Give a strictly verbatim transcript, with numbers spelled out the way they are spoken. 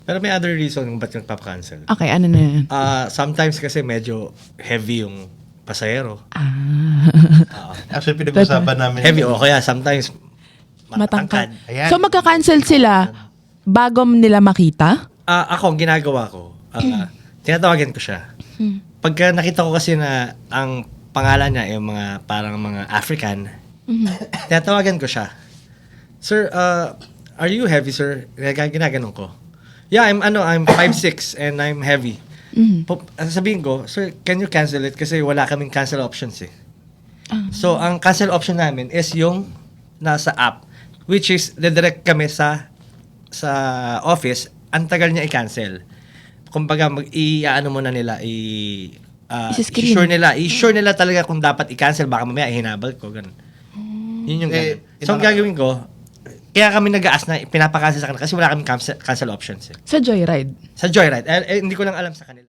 Pero may other reason kung ba't nagpapakancel. Okay, ano na yan? Ah, sometimes kasi medyo heavy yung pasahero. Ah. Oo. Actually, pinag-usapan namin. Heavy o kaya sometimes Matangkad. matangkad. Ayan. So magka-cancel sila bago nila makita? Ah, ako, ang ginagawa ko, ah, tinatawagan ko siya. Pagka nakita ko kasi na ang pangalan niya yung mga parang mga African, tinatawagan ko siya. Sir, uh, are you heavy, sir? Gag- Ginaganon ko. Yeah, I'm ano, I'm five six and I'm heavy. Mhm. Po- sabihin ko, sir, can you cancel it? Kasi wala kaming cancel options eh. So, ang cancel option namin is yung nasa app, which is direct kami sa sa office, ang tagal niya i-cancel. Kumbaga, mag i-ano muna nila, i uh, Isa-screen. i-sure nila, i-sure nila talaga kung dapat i-cancel, baka mamaya ihinabal ko, ganun. Yun yung Eh, ganun. So, ang ina- gagawin ko, kaya kami nag-aas na pinapakancel sa kanila kasi wala kaming cancel, cancel options eh. Sa Joyride? Sa Joyride, eh, eh, hindi ko lang alam sa kanila.